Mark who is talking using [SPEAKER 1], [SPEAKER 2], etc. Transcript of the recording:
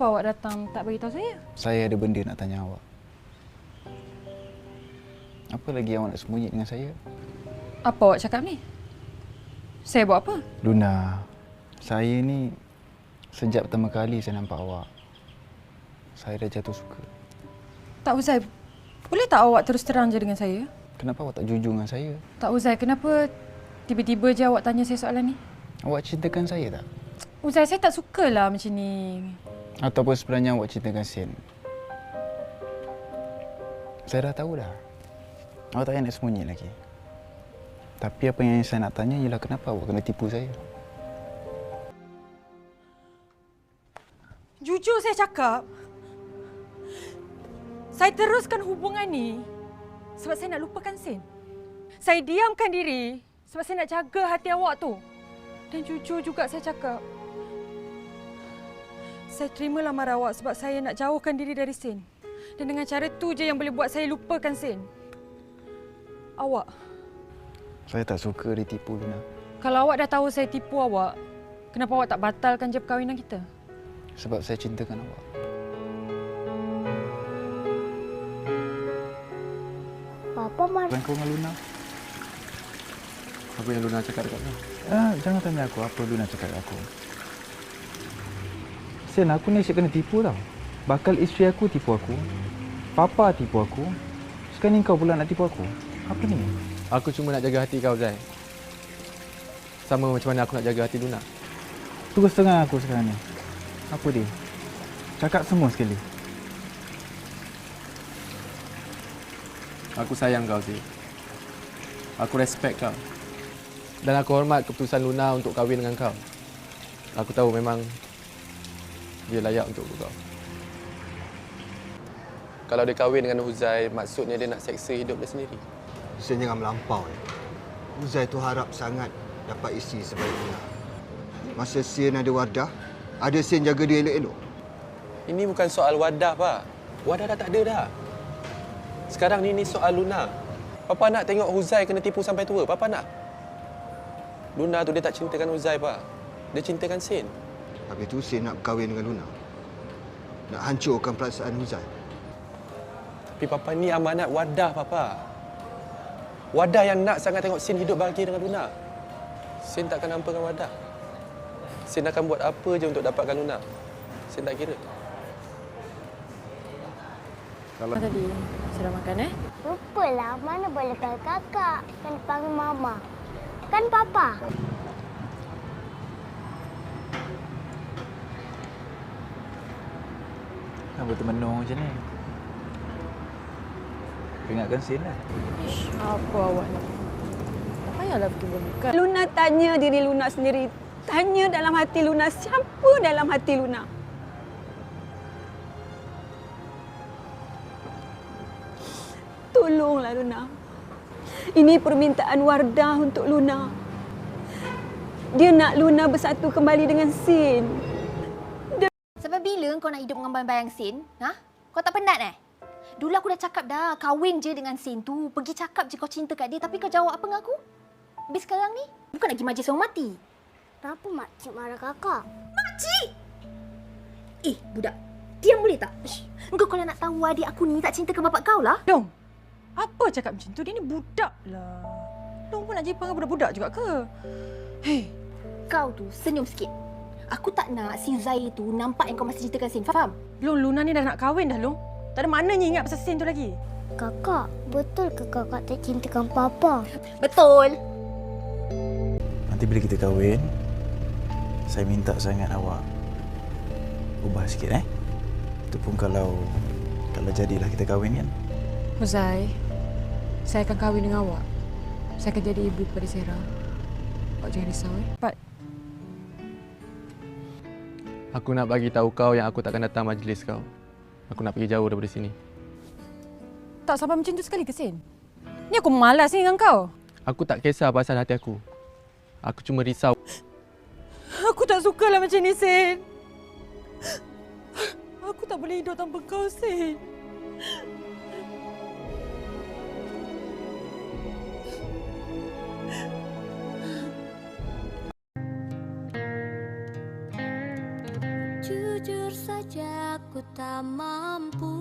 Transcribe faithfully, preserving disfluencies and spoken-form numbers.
[SPEAKER 1] Kenapa awak datang tak beritahu saya?
[SPEAKER 2] Saya ada benda nak tanya awak. Apa lagi awak nak sembunyi dengan saya?
[SPEAKER 1] Apa awak cakap ni? Saya buat apa?
[SPEAKER 2] Luna, saya ni sejak pertama kali saya nampak awak, saya dah jatuh suka.
[SPEAKER 1] Tak Uzai, boleh tak awak terus terang je dengan saya?
[SPEAKER 2] Kenapa awak tak jujur dengan saya?
[SPEAKER 1] Tak Uzai, kenapa tiba-tiba je awak tanya saya soalan ni?
[SPEAKER 2] Awak cintakan saya tak?
[SPEAKER 1] Uzai, saya tak sukalah macam ni.
[SPEAKER 2] Ataupun sebenarnya awak cintakan Sin? Saya dah tahu dah. Awak tak payah nak sembunyi lagi. Tapi apa yang saya nak tanya ialah kenapa awak kena tipu saya?
[SPEAKER 1] Jujur saya cakap, saya teruskan hubungan ni sebab saya nak lupakan Sin. Saya diamkan diri sebab saya nak jaga hati awak tu. Dan jujur juga saya cakap, saya terima lamar awak sebab saya nak jauhkan diri dari Sin. Dan dengan cara tu je yang boleh buat saya lupakan Sin. Awak.
[SPEAKER 2] Saya tak suka ditipu, Luna.
[SPEAKER 1] Kalau awak dah tahu saya tipu awak, kenapa awak tak batalkan je perkahwinan kita?
[SPEAKER 2] Sebab saya cintakan awak.
[SPEAKER 3] Papa marah.
[SPEAKER 2] Bukan kau dengan Luna?
[SPEAKER 4] Apa yang Luna cakap dekat kau?
[SPEAKER 2] Ah, jangan tanya aku apa Luna cakap dekat aku. Sen, aku ni asyik kena tipu tau. Bakal isteri aku tipu aku. Papa tipu aku. Sekarang ni kau pula nak tipu aku. Apa ni?
[SPEAKER 4] Aku cuma nak jaga hati kau, Zai. Sama macam mana aku nak jaga hati Luna.
[SPEAKER 2] Terus terang aku sekarang ni. Apa dia? Cakap semua sekali.
[SPEAKER 4] Aku sayang kau, Zai. Aku respect kau. Dan aku hormat keputusan Luna untuk kahwin dengan kau. Aku tahu memang dia layak untuk kau. Kalau dia kahwin dengan Huzai, maksudnya dia nak seksa hidup dia sendiri.
[SPEAKER 5] Sen jangan melampau. Ya. Uzai tu harap sangat dapat isteri sebaik Luna. Masa Sen ada Wardah, ada Sen jaga dia elok-elok.
[SPEAKER 4] Ini bukan soal Wadah, Pak. Wadah dah tak ada dah. Sekarang ni ni soal Luna. Papa nak tengok Huzai kena tipu sampai tua. Papa nak. Luna tu dia tak cintakan Huzai, Pak. Dia cintakan Sen.
[SPEAKER 5] Habis tu Sen nak berkahwin dengan Luna. Nak hancurkan perasaan Uzai.
[SPEAKER 4] Tapi Papa ni amanat Wadah, Papa. Wadah yang nak sangat tengok Sin hidup bahagia dengan Luna. Sin takkan hampakan Wadah. Sin akan buat apa je untuk dapatkan Luna. Sin tak kira.
[SPEAKER 1] Kalau tadi sudah makan eh?
[SPEAKER 3] Lupalah, mana boleh panggil kakak. Kan panggil mama. Kan papa.
[SPEAKER 2] Kenapa termenung macam ni? Ingatkan Sin lah.
[SPEAKER 1] Ish, apa awak ni? Tak payahlah pergi buka.
[SPEAKER 6] Luna tanya diri Luna sendiri. Tanya dalam hati Luna, siapa dalam hati Luna? Tolonglah Luna. Ini permintaan Wardah untuk Luna. Dia nak Luna bersatu kembali dengan Sin.
[SPEAKER 7] Sampai bila kau nak hidup dengan bayang-bayang Sin? Ha? Kau tak penat eh? Dulu aku dah cakap dah, kahwin je dengan Sin tu. Pergi cakap je kau cinta kat dia, tapi kau jawab apa dengan aku? Habis sekarang ni, bukan lagi majlis orang mati.
[SPEAKER 3] Kenapa makcik marah kakak?
[SPEAKER 7] Makcik! Eh, budak. Diam boleh tak? Ish. Engkau kalau nak tahu adik aku ni tak cintakan bapak kau lah.
[SPEAKER 1] Dong, apa cakap macam tu? Dia ni budak lah. Dong pun nak jadi panggil budak-budak juga ke? Hei.
[SPEAKER 7] Kau tu senyum sikit. Aku tak nak si Zai tu nampak yang kau masih cintakan Sin. Faham?
[SPEAKER 1] Long, Luna ni dah nak kahwin dah, Long. Tak ada maknanya ingat pasal Sin tu lagi.
[SPEAKER 3] Kakak, betul ke kakak tak cintakan papa?
[SPEAKER 7] Betul.
[SPEAKER 2] Nanti bila kita kahwin, saya minta sangat awak ubah sikit eh. Itu pun kalau kalau jadilah kita kahwin kan.
[SPEAKER 1] Huzai, saya akan kahwin dengan awak. Saya akan jadi ibu kepada Sarah. Awak jangan risau eh. Pat.
[SPEAKER 4] Aku nak bagi tahu kau yang aku takkan datang majlis kau. Aku nak pergi jauh daripada sini.
[SPEAKER 1] Tak sampai macam tu sekali ke, Sin? Ni aku malas ni dengan kau.
[SPEAKER 4] Aku tak kisah pasal hati aku. Aku cuma risau.
[SPEAKER 1] Aku tak sukalah macam ni, Sin. Aku tak boleh hidup tanpa kau, Sin.
[SPEAKER 3] Jujur saja aku tak mampu